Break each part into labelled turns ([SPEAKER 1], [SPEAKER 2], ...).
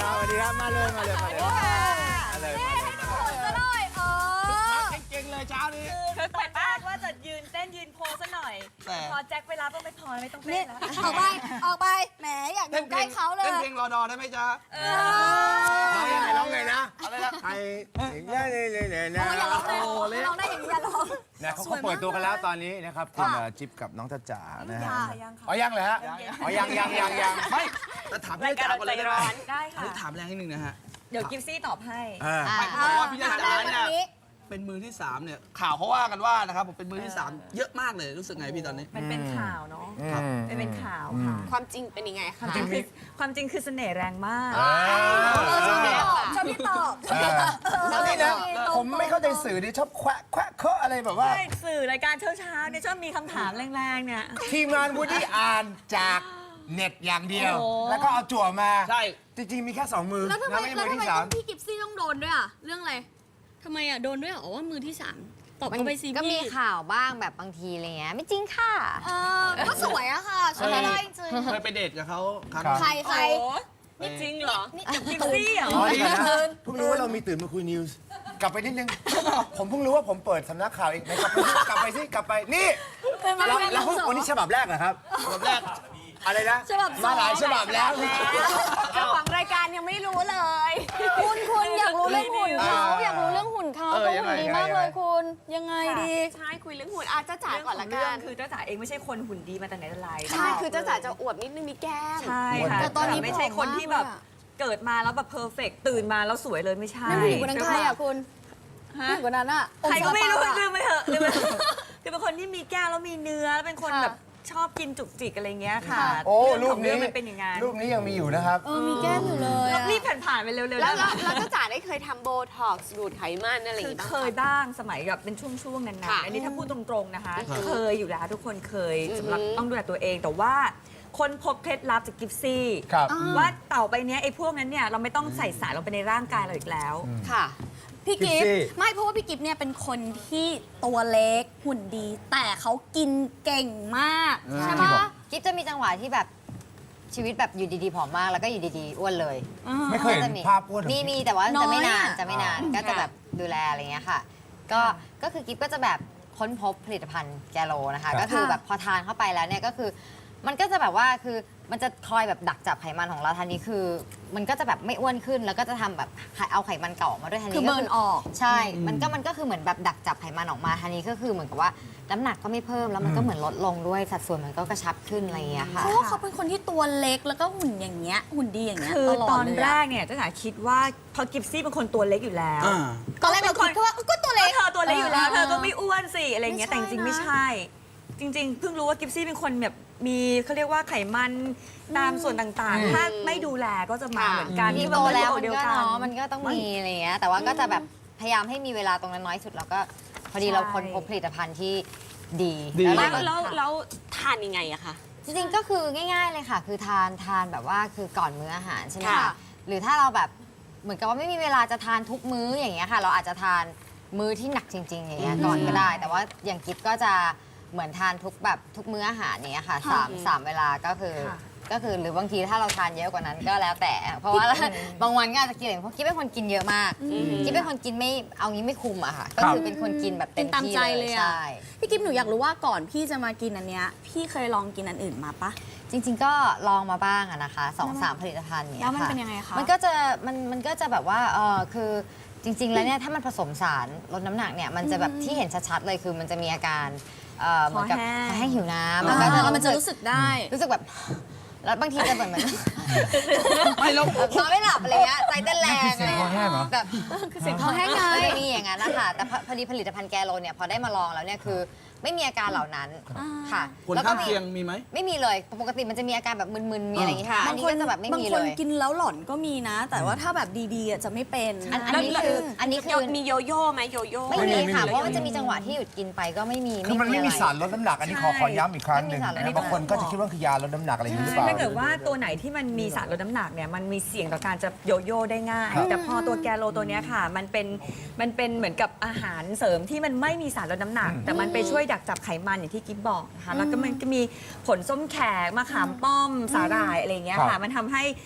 [SPEAKER 1] สวัสดีครับมาเลยมาเลยมาเลยมาเลย
[SPEAKER 2] ซะหน่อย
[SPEAKER 1] เก่งๆเลยเช้านี้
[SPEAKER 3] คือตอนแรกว่าจะยืนเต้นยืนโพสซะหน่อยพอแจ็คไปรับต้องไม่พอไม่ต้องเต้นแล้ว
[SPEAKER 2] ออกไปแหมอยากอยู่ใกล้เขาเลย
[SPEAKER 1] เต้นเพลงรอดอได้ไหมจ๊ะร้องไงนะอะไรนะไทยเนี่ยนะ
[SPEAKER 2] อย่าร้องเลยร้องได้อย่างนี้อย่าร้อง
[SPEAKER 1] นะเขาเปิดตัวกันแล้วตอนนี้นะครับคุณจิ๊บกับน้องจ๊ะจ๋านะฮะ
[SPEAKER 3] ยังค่ะ
[SPEAKER 1] อ๋อยังเลยฮะอ๋อยังไม่แต่ถามพี่จ๋าก่อนเลยได้ไหม
[SPEAKER 3] ได้ค่ะ
[SPEAKER 1] ถามแรงนิดนึงนะฮะ
[SPEAKER 3] เดี๋ยวกิฟซี่ตอบให้
[SPEAKER 1] เพราะว่าพี่จ๊ะจ๋าเนี่ยเป็นมือที่3เนี่ยข่าวเขาว่ากันว่านะครับผมเป็นมือที่3เยอะมากเลยรู้สึกไงพี่ตอนนี้
[SPEAKER 3] มันเป็นข่าวเนาะเป็นข่าวค่ะ
[SPEAKER 4] ความจริงเป็นยังไง
[SPEAKER 3] ความจริงคือเสน่ห์แรงมาก
[SPEAKER 2] ชอบพี่ตอบ
[SPEAKER 1] นี่นะผมไม่เข้าใจสื่อดิชอบแควะเคาะอะไรแบบว่า
[SPEAKER 3] ใช่สื่อรายการเช้าๆเนี่ยชอบมีคำถามแรงๆเนี่ย
[SPEAKER 1] ทีมงานวูดดี้อ่านจากเน็ตอย่างเดียว แล้วก็เอาจั่วมาใช่จริงๆมีแค่2มือ
[SPEAKER 2] แล้วทำไม
[SPEAKER 1] มื
[SPEAKER 2] ต้อง
[SPEAKER 1] ที่3
[SPEAKER 2] พี่กิฟซี่ต้องโดนด้วยอ่ะเรื่องอะไรทำไมอ่ะโดนด้วยเหรอว่ามือที่3ตอบเข้าไปสิ
[SPEAKER 4] ก็มีข่าวบ้างแบบบางทีอะไรเงี้ยไม่จริงค่ะ
[SPEAKER 2] ก็สวยอะค่ะสวยอะไรจริง
[SPEAKER 1] เคยไปเดทกับเขาครั้ง
[SPEAKER 2] ใคร
[SPEAKER 3] นี่จริงเหรอกิฟซี่เหรอ
[SPEAKER 1] อ๋อนี่นะเพิ่งรู้ว่าเรามีตื่นมาคุยนิวส์กลับไปนิดนึงผมเพิ่งรู้ว่าผมเปิดสำนักข่าวเองกลับไปนี่แล้ววันนี้ฉบับแรกเหรอครับฉบับแรกอะไรนะมาหลายฉบับแล้ว
[SPEAKER 4] เจ้าของรายการยังไม่รู้เลย
[SPEAKER 2] คุณอยากรู้เรื่องหุ่นเขาอยากรู้เรื่องหุ่นเขาเขาหุ่นดีมากเลยคุณยังไงดี
[SPEAKER 4] ใช่คุยเรื่องหุ่นจ้าจ๋า
[SPEAKER 3] เรื่อง
[SPEAKER 4] ก่อน
[SPEAKER 3] ขอ
[SPEAKER 4] ละ
[SPEAKER 3] ง
[SPEAKER 4] กั
[SPEAKER 3] เรื่อง
[SPEAKER 4] น
[SPEAKER 3] คือจ้าจ๋าเองไม่ใช่คนหุ่นดีมาแต่ไหนแต่ไร
[SPEAKER 4] ใช่คือจ้าจ๋าจะอวบนิดนึงมีแก้ม
[SPEAKER 3] ใช่ค่ะแต่ตอนนี้ไม่ใช่คนที่แบบเกิดมาแล้วแบบเพอร์เฟกตื่นมาแล้วสวยเลยไม่ใช่
[SPEAKER 2] นั่นผู้หญิงคนนั้นใครอ่ะคุณผู้หญิงคนนั้นอ่ะ
[SPEAKER 3] ใครก็ไม่รู้ลืมไปเถอะลืมไปเถอะคือเป็นคนที่มีแก้วแล้วมีเนื้อแล้วเป็นคนแบบชอบกินจุกจิกอะไรเงี้ยค่ะ
[SPEAKER 1] โอ้รูปนี้
[SPEAKER 3] มันเป็นอย่างงั้น
[SPEAKER 1] รูปนี้ยังมีอยู่นะครับ
[SPEAKER 2] มีแก้มอยู่เลย
[SPEAKER 3] รีบผ่านๆไปเร็วๆ
[SPEAKER 4] แล้ว
[SPEAKER 3] ได้
[SPEAKER 4] จ้าจ๋าได้เคยทำโบท็อกซ์ดูดไขมันอะไรอย่าง
[SPEAKER 3] คือ
[SPEAKER 4] งี้บ้าง
[SPEAKER 3] เคยบ้างสมัยแบบเป็นช่วงๆนาน
[SPEAKER 4] ค่ะ
[SPEAKER 3] ๆอันนี้ถ้าพูดตรงๆนะคะ เคยอยู่แล้วทุกคนเคยสำหรับต้องดูแลตัวเองแต่ว่าคนพบเคล็ดลับจากกิฟซี่
[SPEAKER 1] ครับ
[SPEAKER 3] ว่าเต่าไปเนี้ยไอ้พวกนั้นเนี่ยเราไม่ต้องใส่สารลงไปในร่างกายเราอีกแล้ว
[SPEAKER 4] ค่ะ
[SPEAKER 2] พี่กิฟไม่เพราะว่าพี่กิฟเนี่ยเป็นคนที่ตัวเล็กหุ่นดี แต่เขากินเก่งมากใช่ปะ
[SPEAKER 4] กิ๊บจะมีจังหวะที่แบบชีวิตแบบอยู่ดีๆผอมมากแล้วก็อยู่ดีๆอ้วนเลย
[SPEAKER 1] ไม่เคยเห็นภาพอ้วน
[SPEAKER 4] มีแต่ว่าจะไม่นาน
[SPEAKER 2] น้อยอะ
[SPEAKER 4] จะไม่นานก็จะแบบดูแลอะไรเงี้ยค่ะ ก็คือกิ๊บก็จะแบบค้นพบผลิตภัณฑ์แกโลนะคะ ก็คือแบบพอทานเข้าไปแล้วเนี่ยก็คือมันก็จะแบบว่าคือมันจะคอยแบบดักจับไขมันของเราทันทีคือ มันก็จะแบบไม่อ้วนขึ้นแล้วก็จะทำแบบเอาไขมันเก่าออกมาด้วยทันที
[SPEAKER 2] คือเบิร์นออก
[SPEAKER 4] ใช่ มันก็คือเหมือนแบบดักจับไขมันออกมาทันทีก็คือเหมือนกับว่าน้ำหนักก็ไม่เพิ่มแล้วมันก็เหมือนลดลงด้วยสัดส่วนมันก็กระชับขึ้นอะไรอย่างเงี้ยค่ะ
[SPEAKER 2] เพราะว่าเขาเป็นคนที่ตัวเล็กแล้วก็หุ่นอย่างเงี้ยหุ่นดีอย่างเงี้ย
[SPEAKER 3] คือ
[SPEAKER 2] ตลอด
[SPEAKER 3] ตอน
[SPEAKER 2] เลย
[SPEAKER 3] แร
[SPEAKER 2] อะ
[SPEAKER 3] กเนี่ยจ้าจ๋าคิดว่าพอกิฟซี่เป็นคนตัวเล็กอยู่แล้ว
[SPEAKER 2] ตอนแรกเราคิดแค่ว่าก็ตัวเล็ก
[SPEAKER 3] เธอตัวเล็กอยู่แล้วเธอก็ไม่อ้วนสิอะไรเงี้ย
[SPEAKER 2] ไม่
[SPEAKER 3] แต่
[SPEAKER 2] ใช่
[SPEAKER 3] จริงๆ
[SPEAKER 2] นะ
[SPEAKER 3] ไม่ใช่ จริง ๆ เพิ่งรู้ว่ากิฟซี่เป็นคนแบบมีเขาเรียกว่าไขมันตามส่วนต่างๆ ถ้าไม่ดูแลก็จะมาเหมือนกัน
[SPEAKER 4] ที่
[SPEAKER 3] ที่
[SPEAKER 4] โตแล้ว
[SPEAKER 3] ตั
[SPEAKER 4] มัน
[SPEAKER 3] เดียว
[SPEAKER 4] ก็
[SPEAKER 3] กัน
[SPEAKER 4] เนาะมันก็ต้องมีอะไรเงี้ยแต่ว่าก็จะแบบพยายามให้มีเวลาตรงนั้นน้อยสุดแล้วก็พอดีเราค้นพบผลิตภัณฑ์ที่ดี
[SPEAKER 5] แล้วทานยังไงอะคะ
[SPEAKER 4] จริงๆก็คือง่ายๆเลยค่ะ คือทานแบบว่าคือก่อนมื้ออาหารใช่ไหม
[SPEAKER 5] ค่ะ
[SPEAKER 4] คะหรือถ้าเราแบบเหมือนกับว่าไม่มีเวลาจะทานทุกมื้ออย่างเงี้ยค่ะ เราอาจจะทานมื้อที่หนักจริงๆอย่างเงี้ยก่อนก็ได้ แต่ว่าอย่างกิฟก็จะเหมือนทานทุกมื้ออาหารเนี้ยค่ะสามเวลาก็คือหรือบางทีถ้าเราทานเยอะกว่านั้นก็แล้วแต่ เพราะว่าบางวันก็อาจจะกินเพราะกิ๊บเป็นคนกินเยอะมากกิ๊บเป็นคนกินไม่เอางี้ไม่คุมอะค่ะก็คือเป็นคนกินแบบเต็ม
[SPEAKER 2] ตาม
[SPEAKER 4] ที่
[SPEAKER 2] ใจ
[SPEAKER 4] เล
[SPEAKER 2] เลย ย
[SPEAKER 4] ใช่
[SPEAKER 2] อะพี่กิฟหนูอยากรู้ว่าก่อนพี่จะมากินอันเนี้ยพี่เคยลองกินอันอื่นมาปะ
[SPEAKER 4] จริงๆก็ลองมาบ้างอะนะคะ2-3 ผลิตภัณฑ์เนี้ย
[SPEAKER 2] แล้วมัน
[SPEAKER 4] ค่ะ
[SPEAKER 2] เป็นยังไงคะ
[SPEAKER 4] มันก็จะแบบว่าคือจริง ๆ แล้วเนี่ยถ้ามันผสมสารลดน้ำหนักเนี่ยมันจะแบบที่เห็นชัดๆเลยคือมันจะมีอาการเหมือนกับคอแห้งหิวน้ำแล้วก็
[SPEAKER 2] มันจะรู้สึกได้
[SPEAKER 4] รู้สึกแบบแล้วบางทีจะเหมือน
[SPEAKER 1] ไม่แล้ว
[SPEAKER 4] นอนไม่หลับอะไรเงี้ยใจเต้นแรงอะไร
[SPEAKER 1] คอแห้งเหรอ
[SPEAKER 4] แบบ
[SPEAKER 2] คือเสียงคอแห้งไง
[SPEAKER 4] ก็จะมีอย่างนั้นนะคะแต่พอดีผลิตภัณฑ์แกโลเนี่ยพอได้มาลองแล้วเนี่ยคือไม่มีอาการเหล่านั้นค่ะ
[SPEAKER 1] ผล
[SPEAKER 4] แล้วก็
[SPEAKER 1] ข้างเคียงมีไหม
[SPEAKER 4] ไม่มีเลยปกติมันจะมีอาการแบบมึนๆมีอะไรอย่างงี้ค่ะอันนี้ก็จะแบบไม่มี
[SPEAKER 2] บาง
[SPEAKER 4] เล
[SPEAKER 2] คน
[SPEAKER 4] ย
[SPEAKER 2] กินแล้วหลอนก็มีนะ แต่ว่าถ้าแบบดีๆอะจะไม่เป็น
[SPEAKER 4] อันนี้คือ
[SPEAKER 5] มีโยโย่ไหมโยโย่
[SPEAKER 4] ไม่มี
[SPEAKER 1] ไม่มี
[SPEAKER 4] ค่ะเพราะมันจะมีจังหวะที่หยุดกินไปก็ไม่มี
[SPEAKER 1] คือมันไม่มี
[SPEAKER 4] อะ
[SPEAKER 1] สารลดน้ำหนักอันนี้ขอย้ำอีกครั้งหนึ่ง
[SPEAKER 4] ไม่มีสารลดน้ำหนัก
[SPEAKER 1] บางคนก็จะคิดว่าคือยาลดน้ำหนักอะไรอย่างนี้หรือเปล่า
[SPEAKER 3] ถ้าเกิดว่าตัวไหนที่มันมีสารลดน้ำหนักเนี่ยมันมีเสี่ยงต่อการจะโยโย่ได้ง่าย แต่พอตัวแกโลตัวเนี้ยค่ะ มันเป็นเหมือนกับอาหารเสริมที่มันไม่มีสารลดน้ำหนัก แต่มันไปช่วยดักจับไขมันอย่างที่กิ๊บบอกนะคะแล้วก็มันก็มีผลส้มแขกมะขามป้อมสาหร่ายอะไรอย่างเงี้ย
[SPEAKER 1] ครั
[SPEAKER 3] ค่ะ
[SPEAKER 1] บ
[SPEAKER 3] มันทำให้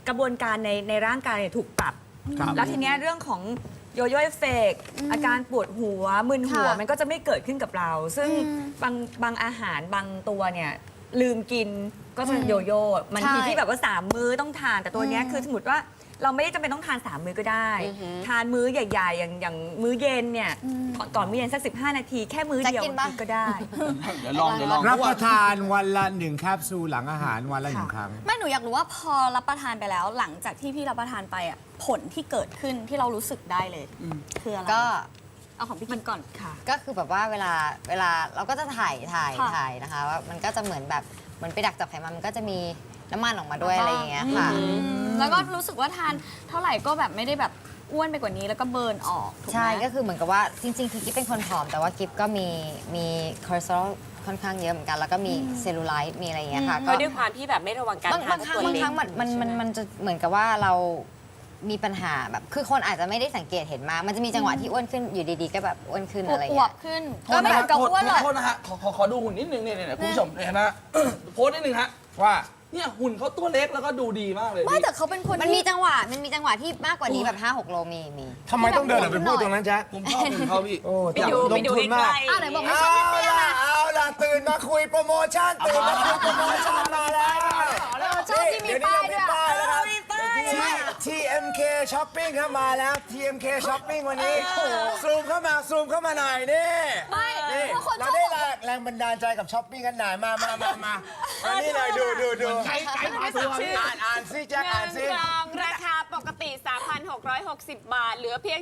[SPEAKER 3] กระบวนการในร่างกายเนี่ยถูกปรับ
[SPEAKER 1] ครับ
[SPEAKER 3] แล้วทีเนี้ยเรื่องของโยโย่เอฟเฟกต์อาการปวดหัวมึนหัว
[SPEAKER 2] ค่ะ
[SPEAKER 3] มันก็จะไม่เกิดขึ้นกับเรา ซึ่งบางอาหารบางตัวเนี่ยลืมกินก็จะโยโย่มันทีที่แบบว่า3 มื้อต้องทานแต่ตัวเนี้ยคือสมมติว่าเราไม่ได้จำเป็นต้องทาน 3 มื้อก็ได้ ทานมื้อใหญ่ๆ อย่างมื้อเย็นเนี่ยก่อนมื้อเย็นสัก15 นาทีแค่มื้อเดียว
[SPEAKER 4] จะกินปะ
[SPEAKER 3] ก็ได้
[SPEAKER 6] เดี๋ยวลอง
[SPEAKER 1] รับประทานวันละ1 แคปซูลหลังอาหารวันละ1 ครั้ง
[SPEAKER 2] ไม่หนูอยากรู้ว่าพอรับประทานไปแล้วหลังจากที่พี่รับประทานไปอ่ะผลที่เกิดขึ้นที่เรารู้สึกได้เลยคืออะไร
[SPEAKER 4] ก็
[SPEAKER 2] เอาของพี่กิ๊บก่อน
[SPEAKER 3] ค่ะ
[SPEAKER 4] ก็คือแบบว่าเวลาเราก็จะถ่าย
[SPEAKER 2] ค่ะ
[SPEAKER 4] นะคะว่ามันก็จะเหมือนแบบเหมือนไปดักจับไขมันมันก็จะมีน้ำมันออกมาด้วยอะไรอย่างเงี้ยค่ะ
[SPEAKER 2] แล้วก็รู้สึกว่าทานเท่าไหร่ก็แบบไม่ได้แบบอ้วนไปกว่านี้แล้วก็เบิร์นออกถูกไหม
[SPEAKER 4] ใช่ก็คือเหมือนกับว่าจริงๆคือกิ๊บเป็นคนผอมแต่ว่ากิ๊บก็มีคอเลสเตอรอลค่อนข้างเยอะเหมือนกันแล้วก็มีเซลลูไลท์มีอะไรอย่างเงี้ยค่ะ
[SPEAKER 5] ก็ด้วยความที่แบบไม่ระวังการ
[SPEAKER 4] บาง
[SPEAKER 5] ทาน
[SPEAKER 4] ครั้ง
[SPEAKER 5] ตัว
[SPEAKER 4] บาง
[SPEAKER 5] เล็
[SPEAKER 4] ค
[SPEAKER 5] ก
[SPEAKER 4] รั้งมันจะเหมือนกับว่าเรามีปัญหาแบบคือคนอาจจะไม่ได้สังเกตเห็นมา มันจะมีจังหวะที่อ้วนขึ้นอยู่ดีๆก็แบบอ้วนขึ้นอะไรอย่าง
[SPEAKER 2] อว
[SPEAKER 4] เงี้
[SPEAKER 2] บ
[SPEAKER 4] ย
[SPEAKER 2] ๆขึ้นก็ไม่ถึงกับอ้วนหรอก
[SPEAKER 6] โทษนะฮะขอดูหุ่นนิดนึงเนี่ยคุณผู้ชมเห็นไหม โพสต์นิดนึงฮะ
[SPEAKER 1] ว่า
[SPEAKER 6] เนี่ยหุ่นเขาตัวเล็กแล้วก็ดูดีมากเลย
[SPEAKER 2] ไม่แต่เขาเป็นคน
[SPEAKER 4] มันมี
[SPEAKER 2] ที่
[SPEAKER 4] จังหวะที่มากกว่านี้แบบ5-6 โลมี
[SPEAKER 1] ทำไมต้องเดินออกไปพูดตรงนั้นจ๊ะ
[SPEAKER 6] ผมชอบหุ่นเขาพี่
[SPEAKER 1] โอ้
[SPEAKER 5] ไปดู
[SPEAKER 1] ล
[SPEAKER 5] ไป
[SPEAKER 1] ง
[SPEAKER 5] ดู
[SPEAKER 1] ทุนมาก
[SPEAKER 5] ใกล้
[SPEAKER 2] อ้าวไหนบอกไม่
[SPEAKER 1] เอา
[SPEAKER 2] ชอบเตี้ยๆ
[SPEAKER 1] ล่ะ
[SPEAKER 2] ล่ะ
[SPEAKER 1] เอาล่ะตื่นมาคุยโปรโมชั่นตื่นมาคุยโปรโมชั่นมาแล้ว
[SPEAKER 2] ชอบที่มีป้ายด้วย
[SPEAKER 1] ป้ายแล้วครับ
[SPEAKER 2] มีป้าย
[SPEAKER 1] TMK Shopping เข้ามาแล้ว TMK Shopping วันนี้ซูมเข้ามาหน่อยนี่
[SPEAKER 2] ไม่
[SPEAKER 1] นี่
[SPEAKER 2] เพราะคนช
[SPEAKER 1] เรา
[SPEAKER 2] อบ
[SPEAKER 1] ได้
[SPEAKER 2] บอก
[SPEAKER 1] แรงบันดาลใจกับช้อปปิ้งกันหน่อยมาอันนี้เลยดูอ่านซิแจ็คอ่านซิ
[SPEAKER 5] 1 กล่องราคาปกติ 3,660 บาท เหลือเพียง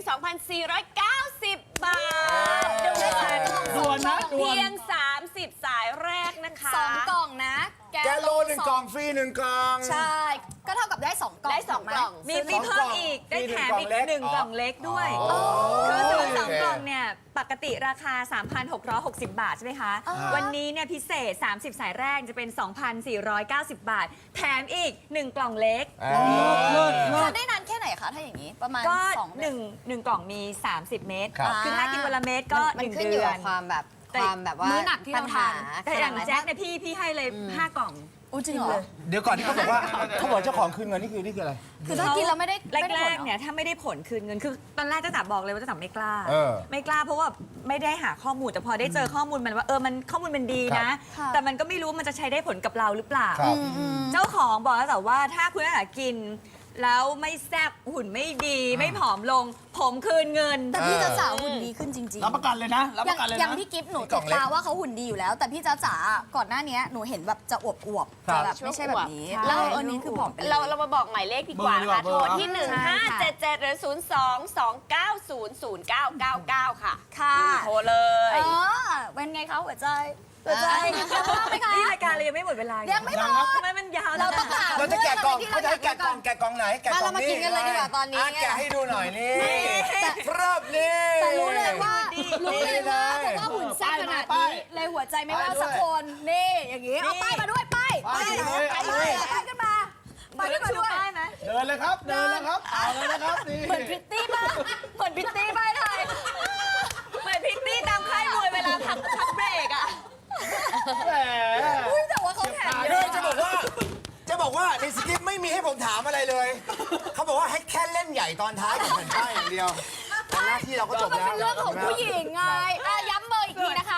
[SPEAKER 5] 2,490 บาทด่วนนะเพียง 30 สายแรกนะคะ
[SPEAKER 2] 2 กล่องนะ
[SPEAKER 1] แกโล1 กล่องฟรี1 กล่อง
[SPEAKER 2] ใช่ ก็เท่ากับได้ 2 กล่อง
[SPEAKER 5] ได้สอง
[SPEAKER 2] ถูไหม
[SPEAKER 5] กล่อง
[SPEAKER 3] มีเพิ่มอีกได้แถมอีก
[SPEAKER 1] มี
[SPEAKER 3] 1 กล่องเล็กด้วย คือซื้อ2 กล่องเนี่ยปกติราคา 3,660 บาทใช่ไหมคะ วันนี้เนี่ยพิเศษ 30 สายแรกจะเป็น 2,490 บาท แถมอีก 1 กล่องเล็ก
[SPEAKER 2] ทานได้นานแค่ไหนคะถ้าอย่างนี้ประมาณ
[SPEAKER 3] ก็
[SPEAKER 2] 2 เดือน
[SPEAKER 3] 1 กล่องมี 30 เม็ด
[SPEAKER 1] ครับ
[SPEAKER 3] คือถ้ากินวันละเม็ดก็
[SPEAKER 4] มัน
[SPEAKER 3] 1
[SPEAKER 4] ขึ้นอ
[SPEAKER 3] เดื
[SPEAKER 4] ยู่
[SPEAKER 3] อ
[SPEAKER 4] กับ
[SPEAKER 3] น
[SPEAKER 4] ความแบบ
[SPEAKER 3] แต่
[SPEAKER 4] ว่า
[SPEAKER 2] มื้อหนักที่เราทาน
[SPEAKER 3] แต่อย่างแจ็คเนี่ยพี่ให้เลย 5 กล่อง
[SPEAKER 2] อู้จริงเหรอ
[SPEAKER 1] เดี๋ยวก่อนที่เขาบอกเจ้าของคืนเงินนี่คืออะไร
[SPEAKER 2] คือถ้ากินแล้วไม่ได้
[SPEAKER 3] แรกๆเนี่ยถ้าไม่ได้ผลคืนเงินคือตอนแรกเจ้าจ๋าบอกเลยว่าเจ้าจ๋าไม่กล้า
[SPEAKER 1] เออ
[SPEAKER 3] ไม่กล้าเพราะว่าไม่ได้หาข้อมูลแต่พอได้เจอข้อมูลมันว่ามันข้อมูลมันดีนะ
[SPEAKER 2] ครับ
[SPEAKER 3] แต่มันก็ไม่รู้มันจะใช้ได้ผลกับเราหรือเปล่า
[SPEAKER 1] ครับ
[SPEAKER 3] เจ้าของบอกแล้วแต่ว่าถ้าคุณอาหารกิน แล้วไม่แซ่บหุ่นไม่ดี ไม่ผอมลง ผมคืนเงิน
[SPEAKER 2] แต่พี่จ้าจ๋าหุ่นดีขึ้นจริงๆ
[SPEAKER 6] รับประกันเลยนะ รับ
[SPEAKER 2] อ
[SPEAKER 6] ป
[SPEAKER 2] ย่าง
[SPEAKER 6] ระกันเลย
[SPEAKER 2] อย่าง
[SPEAKER 6] นะ
[SPEAKER 2] พี่กิฟต์หนู
[SPEAKER 1] กล่
[SPEAKER 2] ติ
[SPEAKER 1] อ
[SPEAKER 2] ด
[SPEAKER 1] งเล็ก
[SPEAKER 2] ตาว่าเขาหุ่นดีอยู่แล้ว แต่พี่จ้าจ๋าก่อนหน้านี้หนูเห็นแบบจะอวบๆจะแบบไม่ใช่แบบนี้
[SPEAKER 3] ใช่
[SPEAKER 2] แล้วอันนี้คือผอมไปเลย
[SPEAKER 5] เรามาบอกหมายเลขดีกว่านะคะ
[SPEAKER 6] เบ
[SPEAKER 5] โท
[SPEAKER 6] อร์
[SPEAKER 5] ร
[SPEAKER 6] ดีกว่า
[SPEAKER 5] ที่
[SPEAKER 3] ใช่ค่ะ
[SPEAKER 5] 1577 หรือ 02-290-0999 ค่ะ
[SPEAKER 2] ค่ะ
[SPEAKER 5] โทรเลย
[SPEAKER 2] เป็นไงคะหัวใจหัวใจชอบไหมคะ
[SPEAKER 3] นี่รายการเรายังไม่หมดเวลา
[SPEAKER 2] ยั
[SPEAKER 3] ยัง
[SPEAKER 2] ไม่หมด
[SPEAKER 3] ทำไมมันยาว
[SPEAKER 2] เราต้องถาม
[SPEAKER 1] เราจะแกะกล่อง
[SPEAKER 2] ที่
[SPEAKER 1] เขาจะให้แกะกล่องไหนแกะกล่อง
[SPEAKER 4] มาเรามากินกันเลยดีกว่าตอนนี้
[SPEAKER 1] แกะให้ดูหน่อยนี่เริ่มนี่
[SPEAKER 2] แต่รู้เลยว่าเพราะว่าหุ่นแซ่บขนาดนี้เลยหัวใจไม่ว่าสักคนนี่อย่างนี้เอาป้ายมาด้วยป้ายป้ายขึ้นมาป้ายขึ้นมาด้วย
[SPEAKER 3] ได้ไหม
[SPEAKER 6] เดินเลยครับเอาเลยนะครับนี่
[SPEAKER 2] เหมือนพริตตี้ป่ะเหมือนพริตตี้ป้ายไทย
[SPEAKER 3] เหมือนพิตตี้ตามค่ายมวยเวลาพักเบรกอะ
[SPEAKER 6] แหม
[SPEAKER 2] อุ้ยแต่ว่าเขาแถมเย
[SPEAKER 1] คือ
[SPEAKER 2] อะ
[SPEAKER 1] จะบอกว่าในสคริปต์ไม่มีให้ผมถามอะไรเลย เขาบอกว่าให้แค่เล่นใหญ่ตอนท้ายกับแผ่นป้ายอย่างเดียวแต่หน้าที่เราก็จบ
[SPEAKER 2] มัน
[SPEAKER 1] แล้ว
[SPEAKER 2] เป็นเรื่องของผู้หญิงไงย้ำเบอร์อีกทีนะคะ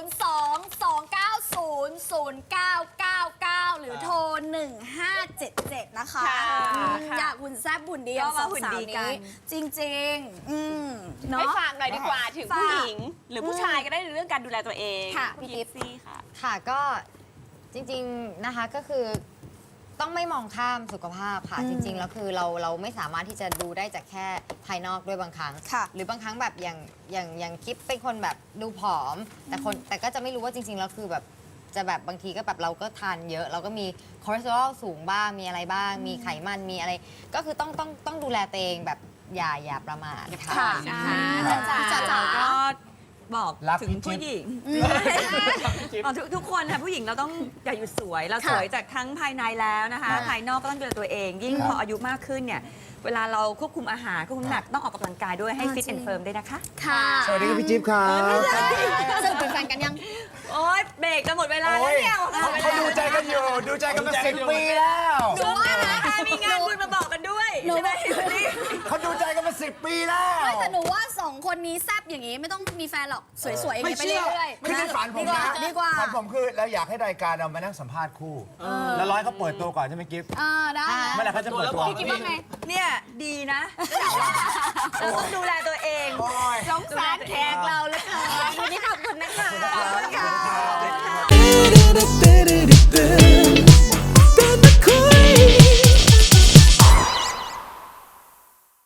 [SPEAKER 2] 02-290-0999 หรือโทร 1577 นะคะ อยากหุ่นแซ่บหุ่นดีอย่างสองสาวนี้จริงๆเนาะ
[SPEAKER 5] ให้ฝากหน่อยดีกว่าถึงผู้
[SPEAKER 2] ฝาก
[SPEAKER 5] หญิง หรือผู้ชายก็ได้ในเรื่องการดูแลตัวเอง
[SPEAKER 2] ค่ะ
[SPEAKER 5] พี่
[SPEAKER 2] พี่กิ๊
[SPEAKER 5] กิฟ
[SPEAKER 2] ฟ
[SPEAKER 5] ซี่ค่ะ
[SPEAKER 4] ค่ะก็จริงๆนะคะก็คือต้องไม่มองข้ามสุขภาพค่ะ จริงๆแล้วคือเราไม่สามารถที่จะดูได้จากแค่ภายนอกด้วยบางครั้ง
[SPEAKER 2] ค่ะ
[SPEAKER 4] หรือบางครั้งแบบอย่างกิ๊บเป็นคนแบบดูผอม แต่ก็จะไม่รู้ว่าจริงๆแล้วคือแบบจะแบบบางทีก็แบบเราก็ทานเยอะ เราก็มีคอเลสเตอรอลสูงบ้างมีอะไรบ้าง มีไขมันมีอะไร ก็คือต้องดูแลตัวเองแบบอย่าประมาทค่ะ
[SPEAKER 2] ค่ะ
[SPEAKER 3] จ๋าก็บอก
[SPEAKER 1] รัก
[SPEAKER 3] ถึ
[SPEAKER 1] พี่
[SPEAKER 3] ง
[SPEAKER 1] จิ๊
[SPEAKER 3] ผู้
[SPEAKER 1] บ
[SPEAKER 3] หญิงบอกทุกคนค่ะผู้หญิงเราต้องอย่าหยุดสวย เราสวยจากทั้งภายในแล้วนะคะ ภายนอกก็ต้องดูแลตัวเอง ยิ่งพออายุมากขึ้นเนี่ยเวลาเราควบคุมอาหารควบคุมน้ำหนักต้องออกกำลังกายด้วยให้ฟิตแอนด์เฟิร์มด้วยนะคะ
[SPEAKER 2] ค่ะ
[SPEAKER 1] สวัสดีครับพี่จิ๊บครับ
[SPEAKER 2] ซึ่งเป็นแฟนกันยัง
[SPEAKER 3] โอ๊ยเบรกจะหมดเวลา
[SPEAKER 1] โอ้
[SPEAKER 3] แล้ว
[SPEAKER 1] ย
[SPEAKER 3] เนี่ย
[SPEAKER 1] เขาดูใจกันอยู่ดูใจกันมา10 ปีแล้ว
[SPEAKER 2] หนูว่านะ
[SPEAKER 3] มีงานบุญมาบอกกันด้วย
[SPEAKER 2] หนู
[SPEAKER 3] ใช่ไหม
[SPEAKER 1] เขาดูใจกันมา10 ปีแล้ว
[SPEAKER 2] ไม่แต่หนูว่า2คนนี้แซบอย่างนี้ไม่ต้องมีแฟนหรอกสวยๆอย่างนี้ไปเรื่อยๆ
[SPEAKER 1] คือในฝันผมนะ
[SPEAKER 2] ดีกว่า
[SPEAKER 1] ฝันผมคือเราอยากให้รายการเรามานั่งสัมภาษณ์คู่ แล้วร้อยเขาเปิดตัวก่อนใช่ไหมกิฟต์
[SPEAKER 2] ได้
[SPEAKER 1] เมื่อไหร่เขาจะเปิดตัว
[SPEAKER 2] พี่คิดว่าไง
[SPEAKER 3] เนี่ยดีนะต้องดูแลตัวเอง
[SPEAKER 1] โอ้ย
[SPEAKER 5] สงสารแข